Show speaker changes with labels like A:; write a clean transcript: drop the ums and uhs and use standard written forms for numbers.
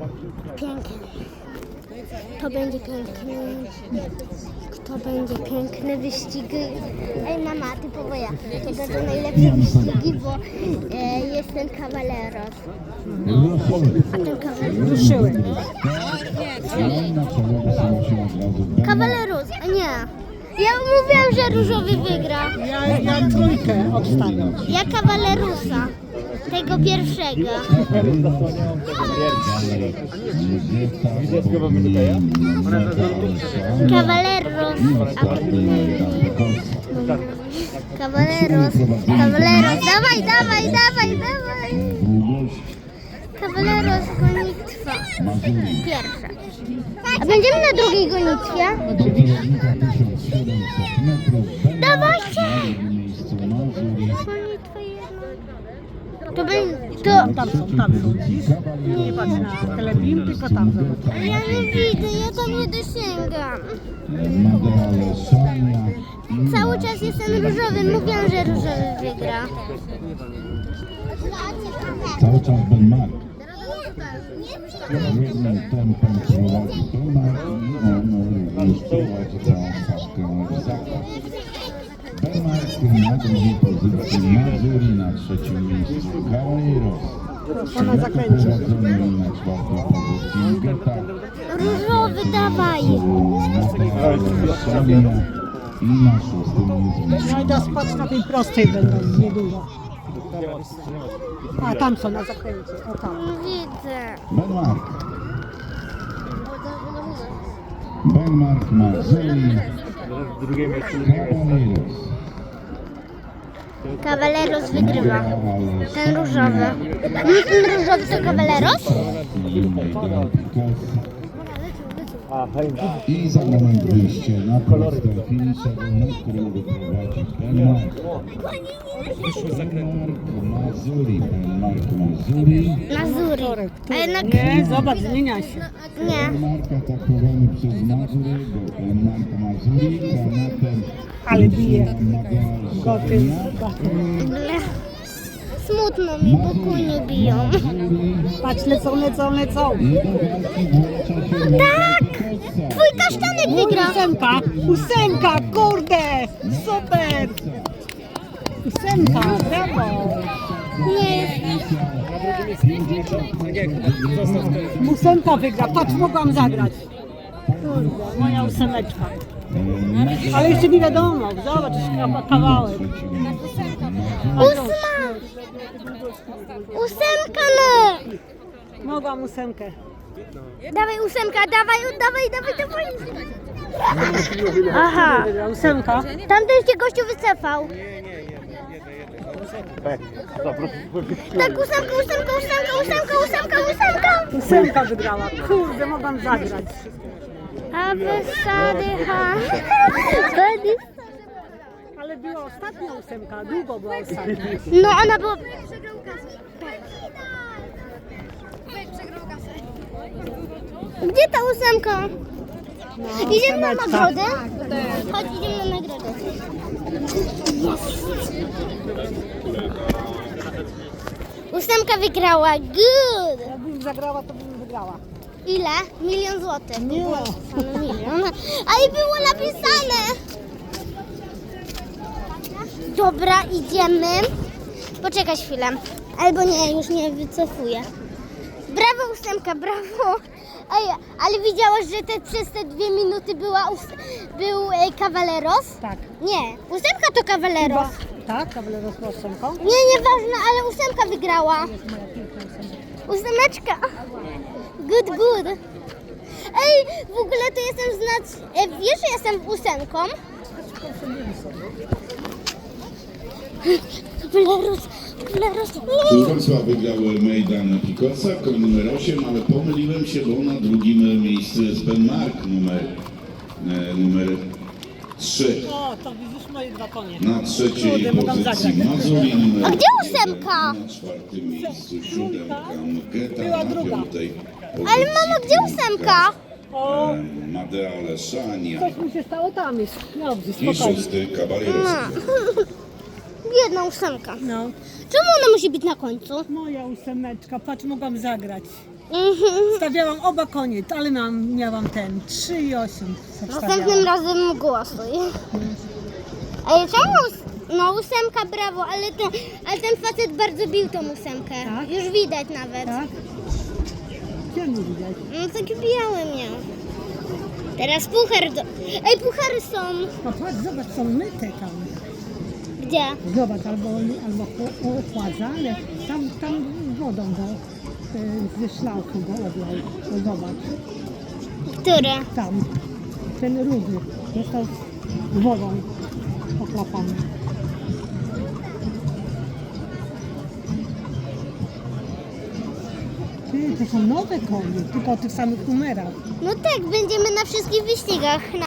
A: Piękny. To będzie piękny. To będzie piękny wyścig. Ej mama, ty powoja. To będą najlepsze wyścigi, bo jest ten Cavaleros. A ten Cavaleros.
B: Ruszyły.
A: Cavaleros, a nie. Ja mówiłam, że różowy wygra.
B: Ja trójkę obstawiam.
A: Ja Cavalerusa. Tego pierwszego. Cavaleros. Cavaleros. Cavaleros. Dawaj, dawaj, dawaj, dawaj. Cavaleros gonitwa. Pierwsza. A będziemy na drugiej gonitwie? Dawajcie! Gonitwa jedna. To będzie...
B: Tam są. Nie patrz na telebim, tylko tam są.
A: Ja nie widzę, ja tam nie dosięgam. Cały czas jestem różowy, mówiłam, że różowy wygra.
C: Cały czas Ben Mark. Jednym tempem prowadzi Ben Mark i on już prowadzi całą stawkę w zakład. Ben Mark na drugiej pozycji, Mazuri na trzecim miejscu, Cavaleros.
B: Ona zakręci.
C: Prowadzony na czwartej pozycji, Geta.
A: Różowy, dawaj.
C: I na szóstym jest
B: No i teraz patrz na tej prostej będą niedługo. A tam są na zakręcie. O tam.
A: Widzę.
C: Ben Mark. Ben Mark Mazuri. Cavaleros.
A: Cavaleros wygrywa. Ten różowy. Ten różowy to Cavaleros?
C: I za moment wyjście na prostą finiszową, na którą wyprowadzi Ben Mark. Mazuri. Ben Mark Mazuri.
A: Mazuri. A jednak
B: Nie, zobacz, zmienia się.
A: nie.
C: Ben Mark atakowany przez Mazurego. Ben Mark Mazuri, granatem.
B: Ale bije. Koty.
A: Ble. Smutno mi, bo kunie biją.
B: Patrz, lecą.
A: Tak! Twój kasztanek wygrał.
B: Ósemka, kurde, super. Ósemka, brawo.
A: Nie,
B: Ósemka wygra, patrz, mogłam zagrać. Kurde, moja ósemeczka. Ale jeszcze nie wiadomo, zobacz, kawałek.
A: ósma! Ósemka no!
B: Mogłam ósemkę.
A: Dawaj ósemka, dawaj. Aha,
B: Ósemka.
A: tamten się gościu wycofał. Tak, ósemka.
B: Ósemka wygrała. Kurde, mogłam zagrać.
A: A wysady, ha.
B: Ale była ostatnia ósemka, długo była ostatnia.
A: No ona była... Gdzie ta ósemka?
B: No,
A: Idziemy na
B: ósemeczka.
A: nagrodę? Chodź, idziemy na nagrodę. Ósemka wygrała, good!
B: Jakbym zagrała, to bym wygrała.
A: Ile? 1 000 000 złotych.
B: Nie.
A: Milion. A i było napisane. Dobra, idziemy. Poczekaj chwilę. Albo nie, już nie wycofuję. Brawo ósemka, brawo. Ej, ale widziałaś, że przez te 2 minuty był Cavaleros?
B: Tak.
A: Nie, ósemka to Cavaleros.
B: Tak, Cavaleros z ósemką.
A: Nie, nieważne, ale ósemka wygrała.
B: Jest moja piękna ósemka.
A: Ósemeczka. Good. Ej, w ogóle to jestem wiesz, że jestem ósemką? Cavaleros.
C: Wrocław wygrał Mejdan Picosa, koń numer 8, ale pomyliłem się, bo na drugim miejscu jest Ben Mark numer 3.
B: O, to widzisz moje 2 konie.
C: Na trzeciej
B: Kurde, mogłam
C: pozycji
B: zagrać.
C: Mazuri numer
A: A gdzie
C: 1,
A: ósemka?
C: na czwartym miejscu 7 Geta,
B: Była
C: na
B: druga.
C: piątej
A: Ale
C: pozycji
A: mama, gdzie ósemka?
B: O,
C: Madea Leszania
B: coś mi się stało tam jest. Dobrze,
C: i
B: spokojnie.
C: 6 Cavaleros.
A: Biedna ósemka.
B: No,
A: Czemu ona musi być na końcu?
B: moja ósemeczka, patrz, mogłam zagrać. Stawiałam oba konie, ale miałam ten 3,8.
A: Następnym razem głosuj. Ej, czemu? No 8, brawo, ale ten facet bardzo bił tą 8.
B: Tak?
A: Już widać nawet.
B: Tak? Gdzie nie widać?
A: No taki biały miał. Teraz puchar Ej, puchary są.
B: No patrz, zobacz, są myte tam.
A: Gdzie?
B: Zobacz, albo ochładza, ale tam wodą ze szlauchu go oblał. No zobacz,
A: Które?
B: tam, ten rudy został wodą oklapany. Ty, to są nowe konie, tylko o tych samych numerach.
A: No tak, będziemy na wszystkich wyścigach.